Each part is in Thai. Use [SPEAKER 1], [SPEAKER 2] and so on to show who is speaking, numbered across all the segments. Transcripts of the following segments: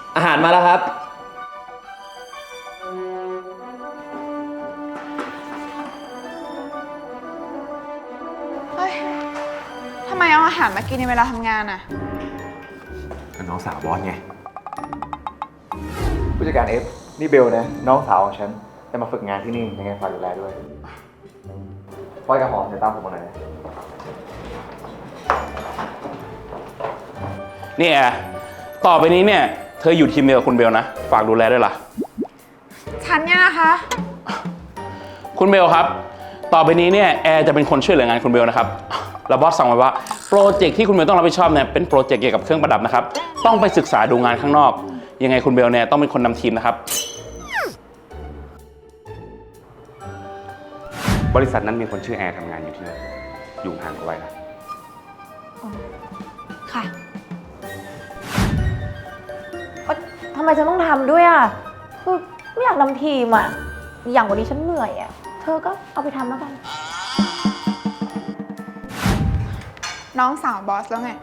[SPEAKER 1] อาหารมาแล้วครับ
[SPEAKER 2] เฮ้ย ทำไมเอาอาหารมากินในเวลาทำงานอ่ะ
[SPEAKER 3] กับน้องสาวบอสไง
[SPEAKER 4] ผู้จัดการเอฟนี่เบลนะน้องสาวของฉันจะมาฝึกงานที่นี่ยังไงฝากดูแลด้วยปอยกับหอมจะตามผมมาหน่อยนะ
[SPEAKER 5] นี่แอร์ต่อไปนี้เนี่ยเธออยู่ทีมเดียวกับคุณเบลนะฝากดูแลด้วยล่ะ
[SPEAKER 2] ฉันเนี่ยนะคะ
[SPEAKER 5] คุณเบลครับต่อไปนี้เนี่ยแอร์จะเป็นคนช่วยเหลืองานคุณเบลนะครับแล้วบอสสั่งไว้ว่าโปรเจกต์ที่คุณเบลต้องรับผิดชอบเนี่ยเป็นโปรเจกต์เกี่ยวกับเครื่องประดับนะครับต้องไปศึกษาดูงานข้างนอกยังไงคุณเบลเนี่ยต้องเป็นคนนำทีมนะครับบริษัทนั้นมีคนชื่อแอร์ทำงานอยู่ที่นั่นอยู่ห่างกันไว้นะ
[SPEAKER 6] ค่ะทำไมฉันต้องทำด้วยอ่ะคือไม่อยากนำทีมอ่ะอย่างวันนี้ฉันเหนื่อยอ่ะเธอก็เอาไปทำแล้วกัน
[SPEAKER 2] น้องสาวบอสแล้วไง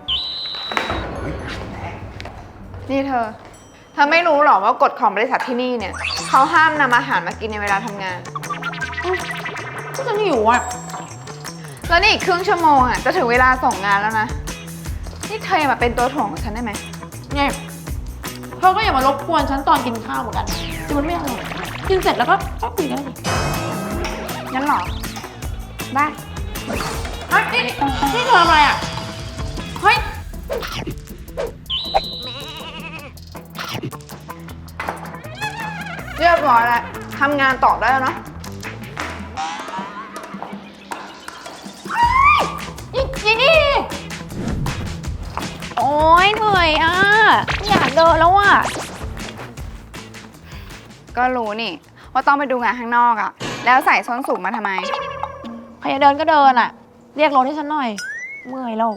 [SPEAKER 2] นี่เธอไม่รู้หรอว่ากฎของบริษัทที่นี่เนี่ยเขาห้ามนำอาหารมากินในเวลาทำงาน
[SPEAKER 6] ก็ฉันหิวอ่ะ
[SPEAKER 2] แล้วนี่อีกครึ่งชั่วโมงอ่ะจะถึงเวลาส่งงานแล้วนะ นี่เธออย่ามาเป็นตัวถ่วงของฉันได้ไหม
[SPEAKER 6] เนี่ยเธอก็อย่ามารบกวนฉันตอนกินข้าวเหมือนกันจะมันไม่อร่อยกินเสร็จแล้วก็คุยกันเลย
[SPEAKER 2] งั้นเหรอ ได้
[SPEAKER 6] เฮ้ยนี่เธอทำอะไรอ่ะเฮ้ย
[SPEAKER 2] เรียบร้อยแล้วทำงานต่อได้แล้วเนาะ
[SPEAKER 6] อีนี่โอ๊ยเหนื่อยอ่ะไม่อยากเดินแล้วอ่ะ
[SPEAKER 2] ก็รู้นี่ว่าต้องไปดูงานข้างนอกอะแล้วใส่ส้นสูงมาทำไม
[SPEAKER 6] ใครจะเดินก็เดินอ่ะเรียกรถให้ฉันหน่อยเมื่อยแล้ว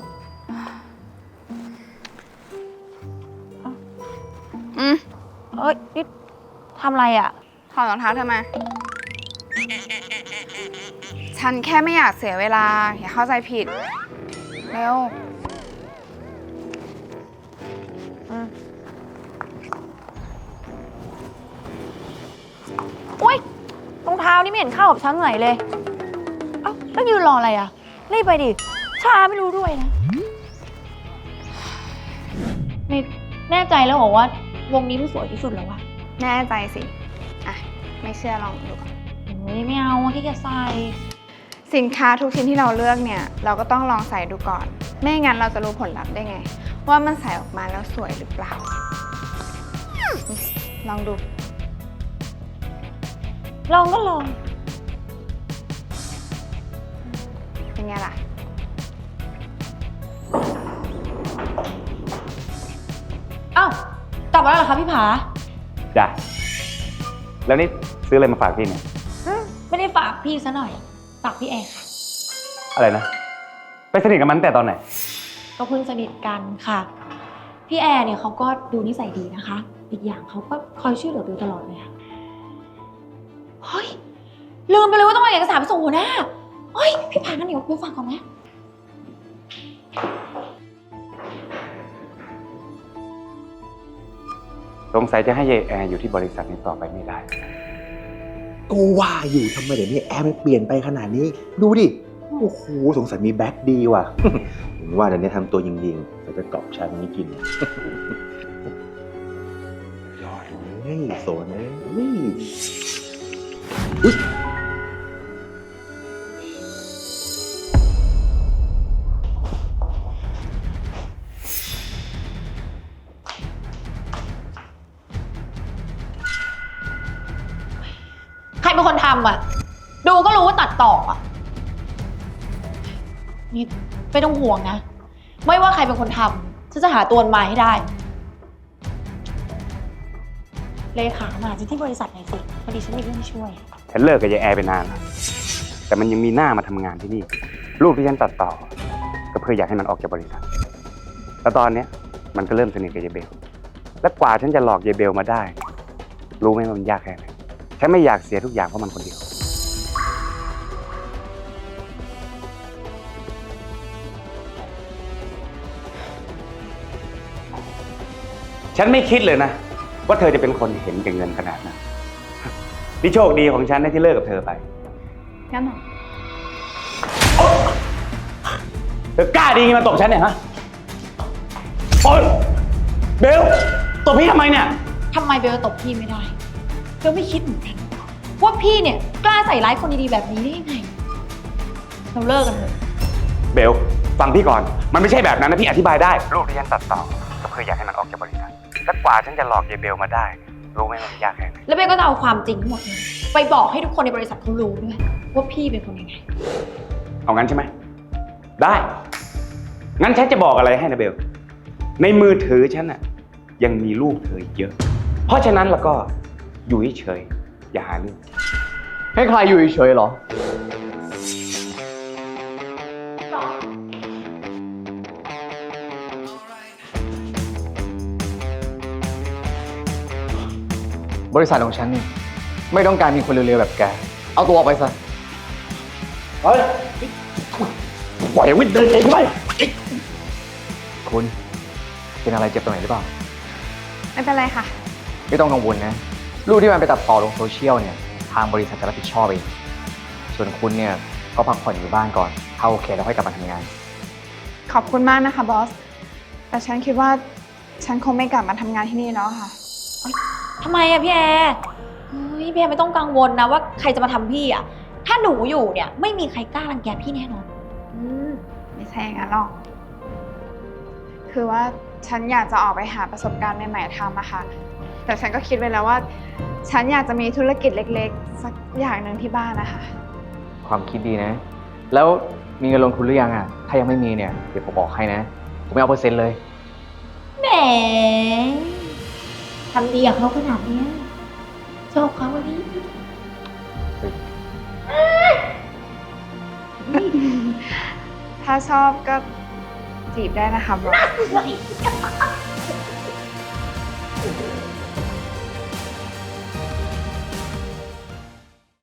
[SPEAKER 2] อืม
[SPEAKER 6] เอ้ยนี่ทำอะไรอ่ะ
[SPEAKER 2] ถอดรองเท้าเธอมา ฉันแค่ไม่อยากเสียเวลา อย่าเข้าใจผิด เร็ว
[SPEAKER 6] อุ้ยรองเท้านี่ไม่เห็นเข้ากับฉันไหนเลย เอ้าแล้วยืนรออะไรอ่ะ รีบไปดิ ช้าไม่รู้ด้วยนะ นี่แน่ใจแล้วเหรอว่าวงนี้มันสวยที่สุดแล้ววะ
[SPEAKER 2] แน่ใจสิ อ่ะ ไม่เชื่อลองดูก่อน
[SPEAKER 6] เฮ้ยไม่เอาอะขี้เกียจใส่
[SPEAKER 2] สินค้าทุกชิ้นที่เราเลือกเนี่ย เราก็ต้องลองใส่ดูก่อน ไม่งั้นเราจะรู้ผลลัพธ์ได้ไง ว่ามันใส่ออกมาแล้วสวยหรือเปล่า ลองดู
[SPEAKER 6] ลองก็ลอง
[SPEAKER 2] เป็นไงล่ะ
[SPEAKER 6] เอ้า กลับมาแล้วเหรอคะพี่ผา
[SPEAKER 5] จ้ะแล้วนี่ซื้ออะไรมาฝากพี่เนี่ย
[SPEAKER 6] ไม่ได้ฝากพี่ซะหน่อย ฝากพี่แอร์ค่ะ
[SPEAKER 5] อะไรนะไปสนิทกับมันตั้งแต่ตอนไหน
[SPEAKER 6] ก็เพิ่งสนิทกันค่ะ พี่แอร์เนี่ยเขาก็ดูนิสัยดีนะคะ อีกอย่างเขาก็คอยช่วยเหลือบิวตลอดเลยค่ะเฮ้ย ลืมไปเลยว่าต้องเอาเอกสารไปส่งหัวหน้าเฮ้ย พี่ผางั้นเดี๋ยวบิวฝากก่อนนะ
[SPEAKER 5] สงสัยจะให้ยายแอร์อยู่ที่บริษัทนี้ต่อไปไม่ได้
[SPEAKER 3] ก็ว่าอยู่ทำไมเดี๋ยวนี้แอร์มันเปลี่ยนไปขนาดนี้ ดูดิ โอ้โห สงสัยมีแบ็คดีว่ะ ผมว่าเดี๋ยวนี้ทำตัวยิงๆจะไปกรอบชาตรงนี้กิน ยอดเลยโซนเลยอุ๊ย
[SPEAKER 6] ใครเป็นคนทำอ่ะ ดูก็รู้ว่าตัดต่ออ่ะ นี่ไม่ต้องห่วงนะ ไม่ว่าใครเป็นคนทำฉันจะหาตัวมันมาให้ได้ เลขามาที่บริษัทหน่อยสิ พอดีฉันมีเรื่องให้ช่วย
[SPEAKER 5] ฉันเลิกกับยายแอร์ไปนานแล้วแต่มันยังมีหน้ามาทำงานที่นี่รูปที่ฉันตัดต่อ ก็เพื่ออยากให้มันออกจากบริษัท แล้วตอนเนี้ยมันก็เริ่มสนิทกับยายเบล และกว่าฉันจะหลอกยายเบลมาได้ รู้ไหมว่ามันยากแค่ไหนฉันไม่อยากเสียทุกอย่างเพราะมันคนเดียว ฉันไม่คิดเลยนะว่าเธอจะเป็นคนเห็นแก่เงินขนาดนั้นนี่โชคดีของฉันนะที่เลิกกับเธอไป
[SPEAKER 2] งั้นเหรอ
[SPEAKER 5] เธอกล้าดีไงมาตบฉันเนี่ยฮะ โอ๊ยเบลตบพี่ทำไมเนี่ย
[SPEAKER 6] ทำไมเบลตบพี่ไม่ได้เบลไม่คิดเหมือนกันว่าพี่เนี่ยกล้าใส่ร้ายคนดีๆแบบนี้ได้ยังไง เราเลิกกันเถอะ
[SPEAKER 5] เบลฟังพี่ก่อน มันไม่ใช่แบบนั้นนะพี่อธิบายได้รูปที่ฉันตัดต่อก็เพื่ออยากให้มันออกจากบริษัทและกว่าฉันจะหลอกยายเบลมาได้ รู้ไหมมันยากแค่ไหน
[SPEAKER 6] แล้วเบลก็จะเอาความจริงทั้งหมดเนี่ยไปบอกให้ทุกคนในบริษัทเขารู้ด้วยว่าพี่เป็นคนยังไง
[SPEAKER 5] เอางั้นใช่ไหม ได้ งั้นฉันจะบอกอะไรให้นะเบล ในมือถือฉันน่ะยังมีรูปเธอเยอะ เพราะฉะนั้นแล้วก็อยู่เฉยๆอย่าหาเรื่อง
[SPEAKER 4] ให้ใครอยู่เฉยๆเหรอ บริษัทของฉันนี่ไม่ต้องการมีคนเร็วๆแบบแก เอาตัวออกไปซะ
[SPEAKER 5] เฮ้ยปล่อยวิทย์เดินเองไป
[SPEAKER 4] คุณเป็นอะไรเจ็บตรงไหนหรือเปล่า
[SPEAKER 2] ไม่เป็นไรค่ะ
[SPEAKER 4] ไม่ต้องกังวลนะ รูปที่มันไปตัดต่อลงโซเชียลเนี่ย ทางบริษัทจะรับผิดชอบเอง ส่วนคุณเนี่ยก็พักผ่อนอยู่บ้านก่อน ถ้าโอเคแล้วค่อยกลับมาทำงาน
[SPEAKER 2] ขอบคุณมากนะคะบอส แต่ฉันคิดว่าฉันคงไม่กลับมาทำงานที่นี่แล้วค่ะ
[SPEAKER 6] ทำไมอะพี่แอร์เฮ้ยพี่แอร์ไม่ต้องกังวลนะว่าใครจะมาทำพี่อะถ้าหนูอยู่เนี่ยไม่มีใครกล้ารังแกพี่แน่นอน
[SPEAKER 2] ไม่ใช่อย่างนั้นหรอก คือว่าฉันอยากจะออกไปหาประสบการณ์ใหม่ๆทำอะค่ะ แต่ฉันก็คิดไว้แล้วว่า ฉันอยากจะมีธุรกิจเล็กๆ สักอย่างหนึ่งที่บ้านนะคะ
[SPEAKER 4] ความคิดดีนะ แล้วมีเงินลงทุนหรือยังอ่ะ ถ้ายังไม่มีเนี่ย เดี๋ยวผมบอกให้นะ ผมไม่เอาเปอร์เซ็นต์เลย
[SPEAKER 6] แหมทำดีกับเขาขนาดเนี้ยชอบเขาวันนี้
[SPEAKER 2] ถ้าชอบก็จีบได้นะคะบอส